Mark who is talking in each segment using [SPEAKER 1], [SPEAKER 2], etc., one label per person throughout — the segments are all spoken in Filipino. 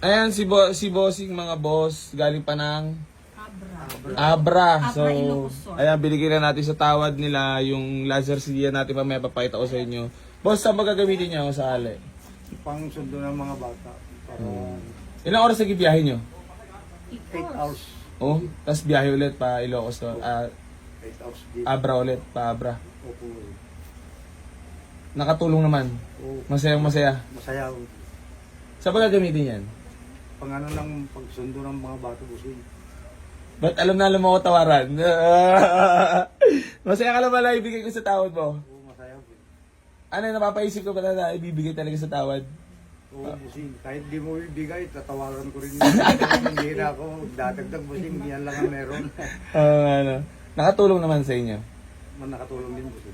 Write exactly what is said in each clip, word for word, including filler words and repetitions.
[SPEAKER 1] Ayan, si, bo si Bossing mga boss, galing pa ng
[SPEAKER 2] Abra.
[SPEAKER 1] Abra. So,
[SPEAKER 2] Abra, Ilocos.
[SPEAKER 1] ayan, binigyan na natin sa tawad nila yung laser C D natin pa may papakita ko sa inyo. Boss, saan magagamitin niya ako sa ali?
[SPEAKER 3] Pang sundo ng mga bata. Para
[SPEAKER 1] Ilang oras naging biyahe nyo?
[SPEAKER 3] eight hours.
[SPEAKER 1] Oh, tapos biyahe ulit pa Ilocos to. Ah,
[SPEAKER 3] eight hours din.
[SPEAKER 1] Abra ulit, pa Abra.
[SPEAKER 3] Opo.
[SPEAKER 1] Nakatulong naman.
[SPEAKER 3] O,
[SPEAKER 1] Masayang masaya.
[SPEAKER 3] masaya.
[SPEAKER 1] Saan ba gagamitin yan?
[SPEAKER 3] Pang ano ng pagsundo ng mga bata busing.
[SPEAKER 1] Ba't alam na alam mo ako tawaran? Masaya ka lang pala ibigay ko sa tawad mo.
[SPEAKER 3] Oo, masaya po.
[SPEAKER 1] Ano yung napapaisip ko ba na ibibigay talaga sa tawad?
[SPEAKER 3] Oo, busing. Kahit di mo ibigay, tatawaran ko rin. Hindi na ako dadagdag busing. Yan lang ang meron.
[SPEAKER 1] Oo, ano. Nakatulong naman sa inyo.
[SPEAKER 3] Man nakatulong din busing.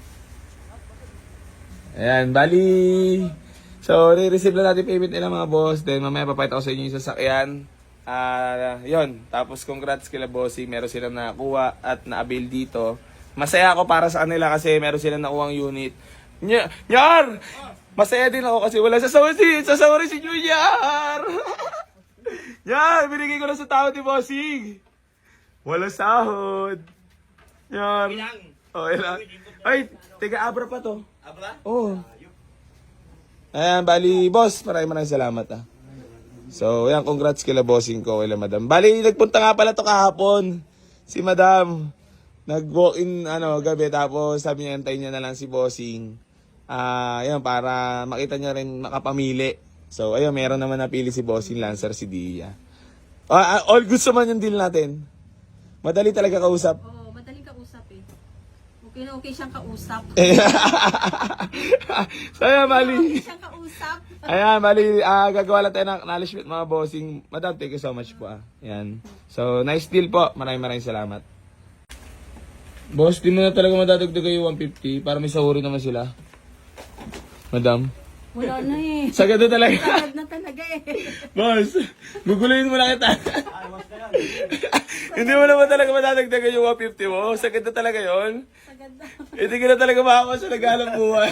[SPEAKER 1] Ayan, bali. So, re-receive lang natin payment nila mga boss. Then, mamaya papayta ko sa inyo yung sasakyan. Ah, yon. Tapos, congrats kila bossing. Meron silang nakakuha at na-avail dito. Masaya ako para sa kanila kasi meron silang nakuha ang unit. Ny Nyar! Masaya din ako kasi wala sasawari si, sasawari si Junior! Nyar! Binigay ko na sa tao ni bossing. Wala sahod. Nyar.
[SPEAKER 4] Ilang?
[SPEAKER 1] Oh, ilang. Ay, tiga Abra pa to.
[SPEAKER 4] Abra?
[SPEAKER 1] Oo. Ayan, bali, boss, maraming maraming salamat ah. So, ayan, congrats kila bossing ko, kila madam. Bali, nagpunta nga pala to kahapon. Si madam, nag-walk-in, ano, gabi, tapos sabi niya, antayin niya na lang si bossing. Ah, ayan, para makita niya rin makapamili. So, ayun, meron naman napili si bossing Lancer, si Dia. Ah, ah, all goods naman yung deal natin. Madali talaga kausap.
[SPEAKER 2] Oo, madaling kausap eh. Okay na okay siyang kausap.
[SPEAKER 1] So, ayan, bali.
[SPEAKER 2] Okay siyang kausap.
[SPEAKER 1] Ayan, bali, ah, gagawa lang tayo ng acknowledgement mga bossing. Madam, thank you so much po ah. Ayan. So, nice deal po. Maraming maraming salamat. Boss, di mo na talaga madadagdagan yung one fifty para may sahuri naman sila. Madam.
[SPEAKER 2] Wala na eh.
[SPEAKER 1] Sagad na talaga.
[SPEAKER 2] Sagad na talaga eh.
[SPEAKER 1] Boss, guguluhin mo lang kita. Hindi mo naman talaga madadagdagan yung one fifty mo. Sagad na talaga yon.
[SPEAKER 2] Sagad na.
[SPEAKER 1] Hindi ka na talaga makakawa sa naghalang buhay.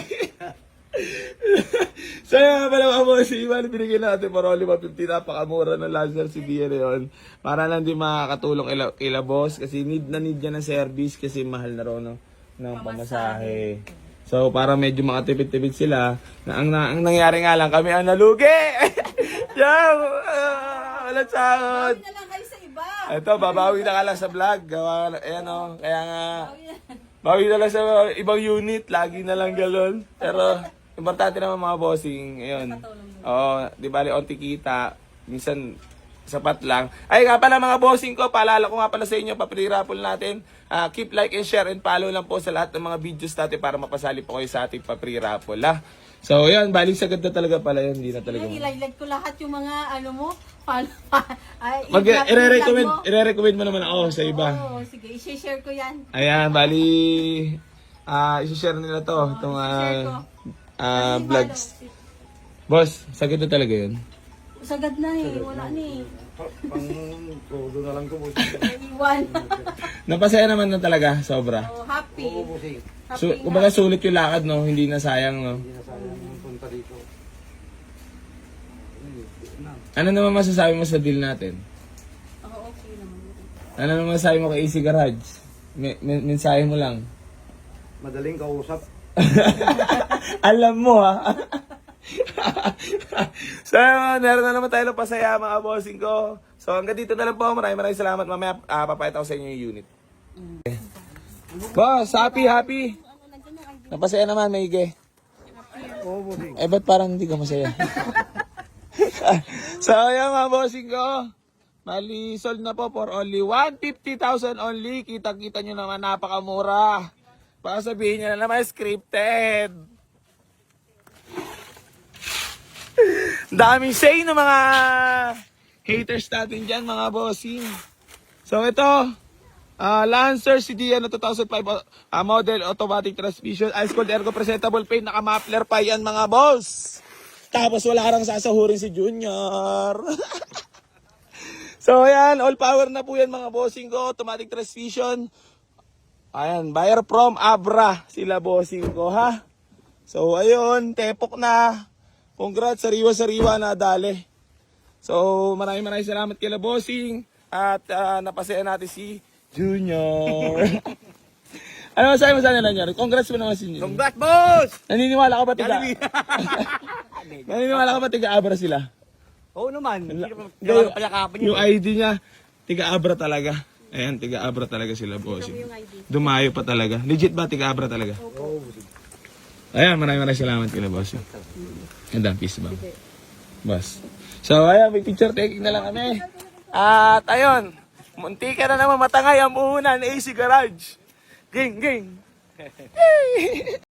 [SPEAKER 1] So yun pala mga boss, iwan binigyan natin para only one fifty, napakamura ng Lancer C B na yun. Para lang din makakatulong kila, kila boss kasi need na need niya ng service kasi mahal na rin no, ng pamasahe. So para medyo makatipid-tipid sila, na ang, na, ang nangyari nga lang kami ang nalugi. Yan, uh, walang sahod.
[SPEAKER 2] Bawi na lang kayo sa iba.
[SPEAKER 1] Ito, babawi na ka lang sa vlog. Gawa, ayan o, kaya nga, bawi na lang sa ibang unit, lagi na lang galon. Pero, importante naman mga bossing, ayun. Oo, di bali, onti kita, minsan, sapat lang. Ay nga pala mga bossing ko, paalala ko nga pala sa inyo, pa-pre-raffle natin. Uh, keep like and share and follow lang po sa lahat ng mga videos natin para mapasali po kayo sa ating pa-pre-raffle, ha? So, ayun, balik sagad na talaga pala yun, hindi na talaga.
[SPEAKER 2] Sige, ilike ko lahat yung mga ano mo. Follow, ay,
[SPEAKER 1] Mag
[SPEAKER 2] i-vlog-
[SPEAKER 1] i-recommend,
[SPEAKER 2] i-vlog mo.
[SPEAKER 1] i-recommend mo naman ako sa iba.
[SPEAKER 2] Oo, sige, i-share ko yan.
[SPEAKER 1] Ayan, bali, ah, i-share nila to, itong
[SPEAKER 2] i-share ko.
[SPEAKER 1] ah, ah,
[SPEAKER 2] Kasi
[SPEAKER 1] vlogs.
[SPEAKER 2] follow.
[SPEAKER 1] Boss, sagad na talaga yun.
[SPEAKER 2] Sagad na eh, wala na eh.
[SPEAKER 3] Pang todo na lang ko busing.
[SPEAKER 2] Naiwan.
[SPEAKER 1] Napasaya naman na talaga, sobra.
[SPEAKER 2] Oh, happy.
[SPEAKER 3] Oo, busing.
[SPEAKER 2] Happy
[SPEAKER 1] So, kumbaga sulit yung lakad, no? Hindi na sayang, no?
[SPEAKER 3] Hindi na sayang yung punta dito. Na.
[SPEAKER 1] Ano naman masasabi mo sa deal natin?
[SPEAKER 2] Ako okay naman.
[SPEAKER 1] Ano naman masasabi mo kay Easy Garage? Me- men- mensahe mo lang.
[SPEAKER 3] Madaling kausap.
[SPEAKER 1] Alam mo, ha? So, meron na naman tayo ng pasaya, mga bossing ko. So, hanggang dito na lang po. Maraming maraming salamat. Mamaya, uh, papayata ko sa inyo yung unit. Okay. Boss, happy, happy. Napasaya naman, Maige.
[SPEAKER 3] Oo, busing.
[SPEAKER 1] Eh, ba't parang hindi ka masaya? So, ayan mga bossing ko. Mali, sold na po for only one hundred fifty thousand only. Kita-kita nyo naman, napakamura. Baka sabihin nyo na naman, scripted. Daming say ng mga haters natin dyan, mga bossing. So, ito. Uh, Lancer C D N two thousand five uh, model automatic transmission, ice cold ergo presentable paint, naka-muffler pa yan mga boss. Tapos wala karang sasahurin si Junior. So ayan, all power na po yan mga bossing ko, automatic transmission. Ayan, buyer from Abra sila bossing ko ha. So ayun, tepok na. Congrats, sariwa-sariwa na dali. So, maraming maraming salamat kila Bossing. At ah, napasaya natin si Junior. Ano masabi mo sa kanila, Junior? Congrats mo naman si Junior.
[SPEAKER 3] Congrats, boss!
[SPEAKER 1] Naniniwala ka ba tiga? Naniniwala ka ba tiga-abra sila?
[SPEAKER 3] Oo naman. Hindi
[SPEAKER 1] Hindi,
[SPEAKER 3] naman palakapin
[SPEAKER 1] yung I D niya, tiga-abra talaga. Ayan, tiga-abra talaga sila, Bossing. Dumayo pa talaga. Legit ba tiga-abra talaga?
[SPEAKER 3] Oo.
[SPEAKER 1] Ayan, maraming maraming salamat kila Bossing. And peace ba? Boss. So, ayan, may picture taking na lang kami. At ayun, munti ka na naman matangay ang puhunan A C Garage. Ging, ging.